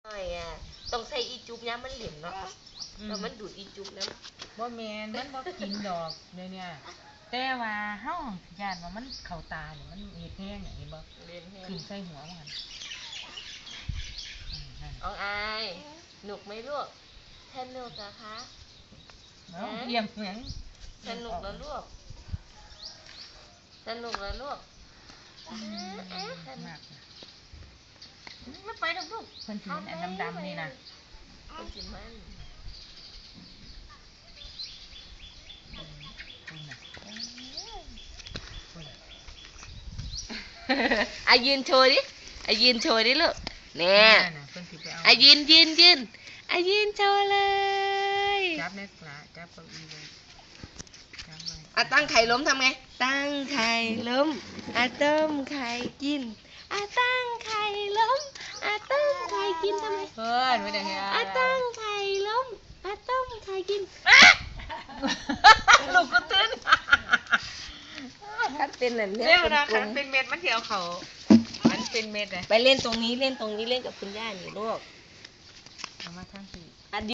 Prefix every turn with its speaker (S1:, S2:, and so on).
S1: ต้องใส่อีจุ๊บย้ำมันเหลี่ยมเนาะแล้วมันดูดอีจุ๊บน้
S2: บ่แม่นมันบ่กินดอกเนี่ยแต่ว่าเฮาย่านว่ามันเข้าตาเนี่ยมันเฮ็ดแห้งเห็นบ่
S1: ำเรียนแห้
S2: ขึ้นใส่หัวมัน
S1: อองอายหนุกไหมลูกสนุกเหรอคะ
S2: เนาะเยี่ยมเหมือน
S1: สนุกแล้วลูกสนุกแล้วลูก
S2: มากไม่ไปดอกลูกเพิ่นสิอันดำๆนี่นะ
S1: คนจิมันอายืนโชว์ดิอายืนโชว์ดิลูกเนี่ยอายืนอายืนโชว์เลย
S2: จับเน็ตละจับเก้าอี้เลยจับเลย
S1: อ่ะตั้งไข่ล้มทำไงตั้งไข่ล้มอ่ะต้มไข่กินอ่ะตั้งไข่ล้มอ่ะต้มไข่กินทำไม
S2: เพื่อนไม่ได้ไง
S1: อ่ะตั้งไข่ล้มอ่ะต้มไข่กิน
S2: ลูกก็ตื่น
S1: คัดเป็นแบบเนี้ย
S2: เรียกว่า
S1: กล
S2: คัน
S1: ม
S2: เป็นเม็ดมันเที่ยวเขามันเป็นเม็ดเลย
S1: ๆไปเล่นตรงนี้เล่นกับคุณย่าอยู่ลูก
S2: เอามาทั้งสี่